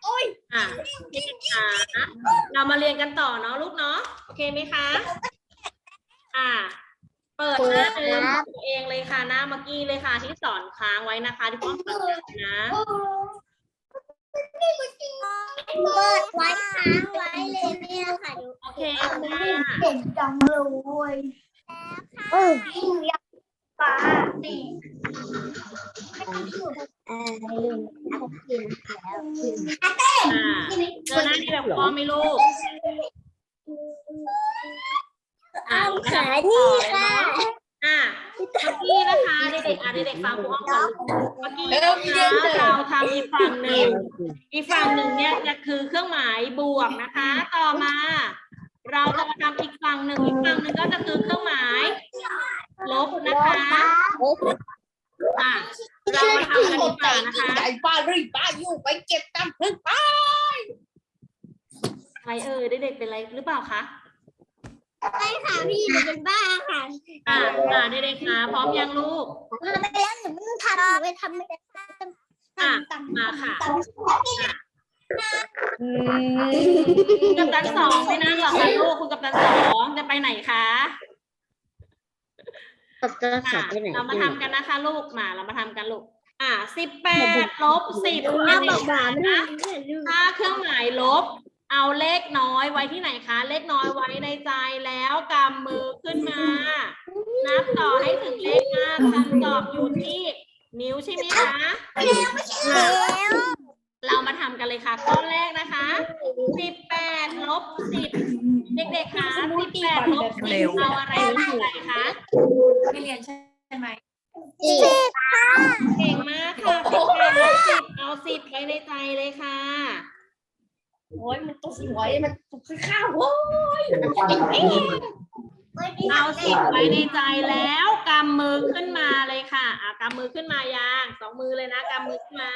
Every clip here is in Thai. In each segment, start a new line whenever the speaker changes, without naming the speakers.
อ่ะเรามาเรียนกันต่อเนาะลูกเนาะโอเคไหมคะเปิดหน้าเดิมของตัวเองเลยค่ะหน้าเมื่อกี้เลยค่ะที่สอนค้างไว้นะคะที่พ่อสอนนะ
เปิดไว้ค้างไว้เลยเนี่ยค่ะ
โอเคค่ะ
เก่งจังเลยอยากฟ้า
เจอหน้าที่แบบพ่อไม่ลูก
ขานี่ค่ะ
เมื่อกี้นะคะเด็กๆเด็กๆฟังครูอ้อมก่อนเมื่อกี้นะคะเราทำอีกฝั่งหนึ่งเนี่ยจะคือเครื่องหมายบวกนะคะต่อมาเราจะมาทำอีกฝั่งหนึ่งก็จะคือเครื่องหมายลบนะคะเรามาทำกันดีกว่านะคะ
ใหญ่ป้าอยู่ไปเก็บตำพึ่งไป
ใครเด็กๆเป็นไรหรือเปล่าคะ
ใช่ค่ะพี่หนูเป็นบ้าค่ะ
เด็กๆค่ะพร้อมยังลูก
ทำไปแล้วหนูไม่ต้องทำหนูไปทำไม่ได้
มาค่ะคุณกัปตัน2ไม่นั่งหรอกค่ะลูกคุณกัปตัน2จะไปไหนคะเรามาทำกันนะคะลูกเรามาทำกันลูก18 ลบ 10นะถ้าเครื่องหมายลบเอาเลขน้อยไว้ที่ไหนคะเลขน้อยไว้ในใจแล้วกำมือขึ้นมานับต่อให้ถึงเลข5คำตอบอยู่ที่นิ้วใช่ไหมคะเรามาทำกันเลยค่ะข้อแรกนะคะ18 ลบ 10เด็กๆคะ18 ลบ 10เอาอะไรไว้ในใจคะ
ไม่เรียนใช่ไหม
เก่งมากค่ะ18 ลบ 10เอา10ไว้ในใจเลยค่ะ
โอ้ยมันตัวสวยมันตัวข้าวโว้ย
เอา10ไว้ในใจแล้วกำมือขึ้นมาเลยค่ะกำมือขึ้นมายัง2 มือเลยนะกำมือขึ้นมา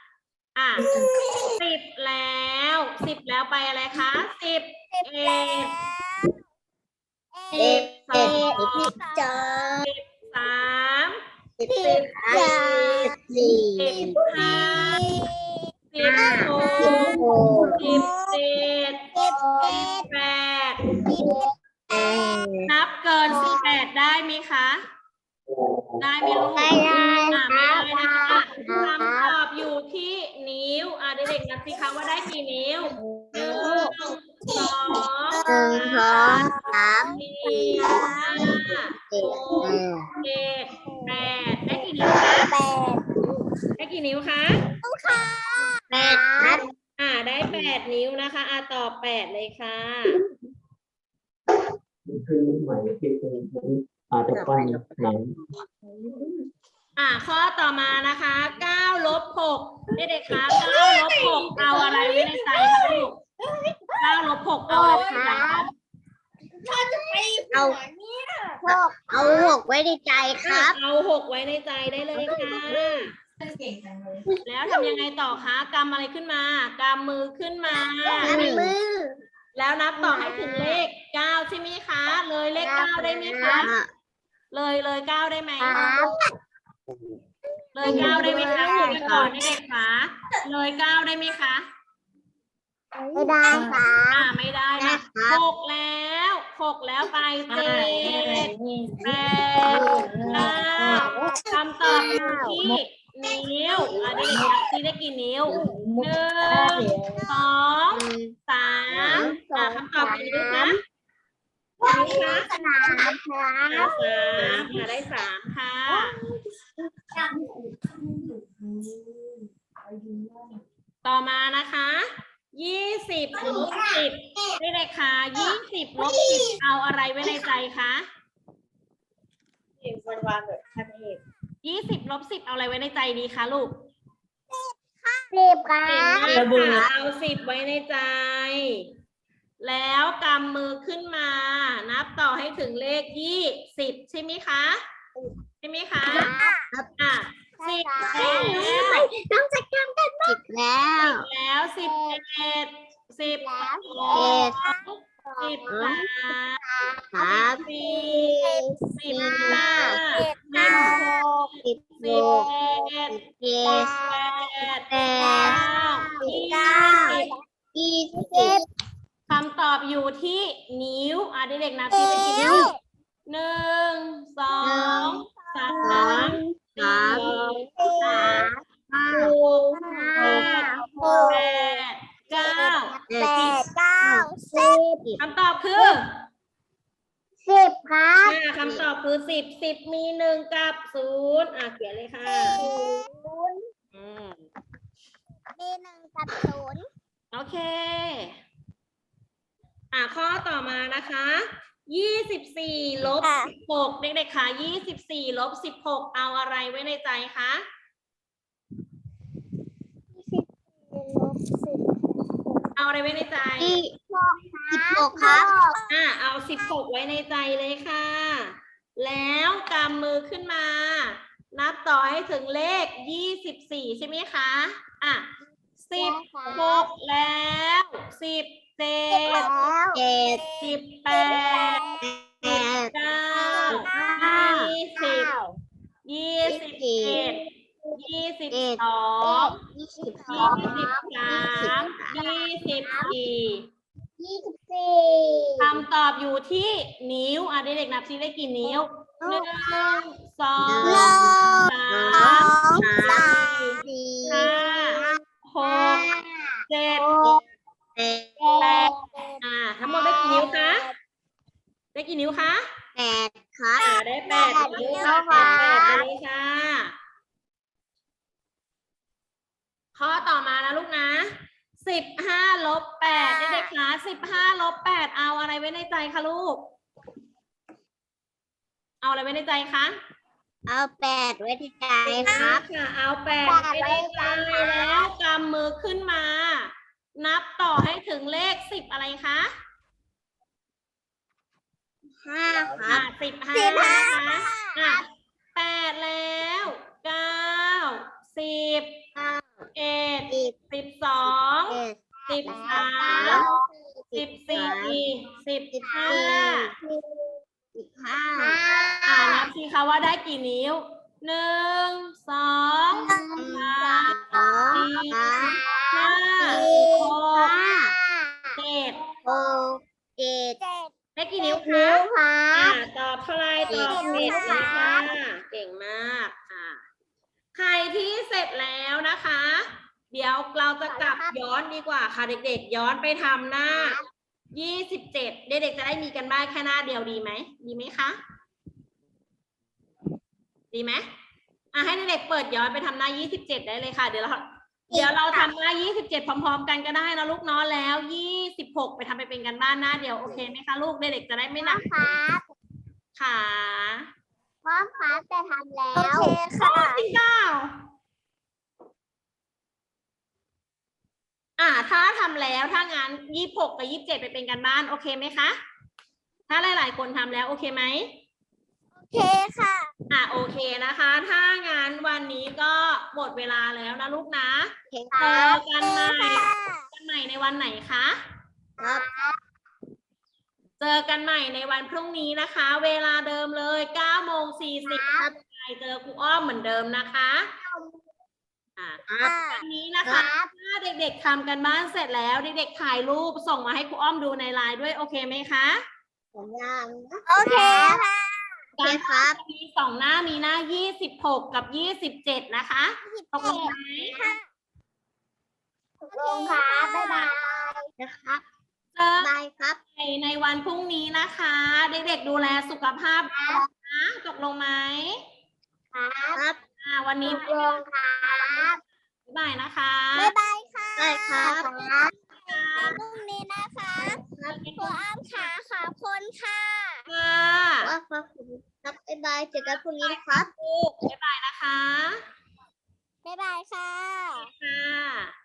10 แล้วไปอะไรคะ11 12 13 14 15 16 17 18นับเกิน18ได้ไหมคะได้ไหมลูกไม่ได้นะคะคำตอบอยู่ที่นิ้วเด็กๆนับสิคะว่าได้กี่นิ้ว1 2 3 4 5 6 7 8ได้กี่นิ้วคะได้กี่นิ้วคะได้8 นิ้วนะคะตอบ8เลยค่ะ
คือหมายที่เป็นจะไปไหน
ข้อต่อมานะคะ9 ลบ 6เด็กๆคะ9 ลบ 6เอาอะไรไว้ในใจคะลูก9 ลบ 6เอาอะไรไว้ในใจคะ
เอา6ไว้ในใจครับ
เอา6ไว้ในใจได้เลยค่ะแล้วทำยังไงต่อคะกำอะไรขึ้นมากำมือขึ้นมาแล้วนับต่อให้ถึงเลข9ใช่ไหมคะเลยเลข9ได้ไหมคะเลย9ได้ไหมเลย9ได้ไหมคะคุยกันก่อนเด็กๆคะเลย9ได้ไหมคะ
ไม่ได้ค่ะ
ไม่ได้นะ6แล้วไป7 8 9คำตอบอยู่ที่นิ้วเด็กๆนับซิได้กี่นิ้ว1 2 3คำตอบกี่นิ้วคะได้3ค่ะต่อมานะคะ20 ลบ 10ได้เลยค่ะ20 ลบ 10เอาอะไรไว้ในใจคะ20 ลบ 10เอาอะไรไว้ในใจดีคะลูก
10ค่ะ
เอา10ไว้ในใจแล้วกำมือขึ้นมานับต่อให้ถึงเลข20ใช่ไหมคะ10แล้ว
ต้องจัดการกัน10
แล้ว11 12 13 14 15 16 17 18 19 20 คำตอบอยู่ที่นิ้วเด็กๆนับที่ไปกี่นิ้ว1 2 3 4 คำตอบคือคำตอบคือ10มี1กับ0เขียนเลยค่ะโอเคข้อต่อมานะคะ24 ลบ 16เด็กๆค่ะ24 ลบ 16เอาอะไรไว้ในใจคะเอาอะไรไว้ในใจเอา16ไว้ในใจเลยค่ะ แล้วกำมือขึ้นมา นับต่อให้ถึงเลข24ใช่ไหมคะ16แล้ว17 คำตอบอยู่ที่นิ้วเด็กๆนับซิได้กี่นิ้ว1 2 3 4 5 6 7 8ทั้งหมดได้กี่นิ้วคะได้กี่นิ้วคะได้8 นิ้วค่ะ8เลยค่ะข้อต่อมานะลูกนะ15 ลบ 8เด็กๆคะ15 ลบ 8เอาอะไรไว้ในใจคะลูกเอาอะไรไว้ในใจคะ
เอา8ไว้ที่ใจครับ
ค่ะเอา8ไว้ในใจแล้วกำมือขึ้นมา นับต่อให้ถึงเลข10อะไรคะ
5ครับ
15นะคะ8แล้ว9 10 11 12 13 14 15นับสิคะว่าได้กี่นิ้ว1 2 3 4 5 6 7ได้กี่นิ้วคะตอบเท่าไรตอบ7เลยค่ะเก่งมากใครที่เสร็จแล้วนะคะ เดี๋ยวเราจะกลับย้อนดีกว่าค่ะเด็กๆย้อนไปทำหน้า27เด็กๆจะได้มีกันบ้านแค่หน้าเดียวดีไหมดีไหมคะดีไหมให้เด็กๆเปิดย้อนไปทำหน้า27ได้เลยค่ะเดี๋ยวเราทำหน้า27พร้อมๆกันก็ได้นะลูกเนาะแล้ว26ไปทำไปเป็นกันบ้านหน้าเดียวโอเคไหมคะลูกเด็กๆจะได้ไม่หนักค่ะ
พ่อครับแต่ทำแล้วโอเคค่ะ
จริงเปล่าถ้าทำแล้วถ้างั้น26กับ27ไปเป็นกันบ้านโอเคไหมคะถ้าหลายๆคนทำแล้วโอเคไหม
โอเคค่ะ
โอเคนะคะถ้างั้นวันนี้ก็หมดเวลาแล้วนะลูกนะเจอกันใหม่ในวันไหนคะ
ครับ
เจอกันใหม่ในวันพรุ่งนี้นะคะเวลาเดิมเลย9:40เจอครูอ้อมเหมือนเดิมนะคะวันนี้นะคะถ้าเด็กๆทำกันบ้านเสร็จแล้วเด็กๆถ่ายรูปส่งมาให้ครูอ้อมดูในไลน์ด้วยโอเคไหมคะ
โอเคค่ะ
การครับมี2หน้ามีหน้า26กับ27นะคะตกลงไหม
ตกลงค่ะบ๊ายบายนะครับ
บายครับในวันพรุ่งนี้นะคะเด็กๆดูแลสุขภาพนะตกลงไหม
ครับ
วันนี้
ตกลงครับ
บ๊ายบายนะคะ
บ๊ายบายค่ะ
ได้ครับ
พรุ่งนี้นะคะครูอ้ำขาขอบคุณค่ะ
ว่า
ขอบคุณครับบ๊ายบายเจอกันพรุ่งนี้นะครับ
บ๊ายบายนะคะ
บ๊ายบายค่ะ
ค่ะ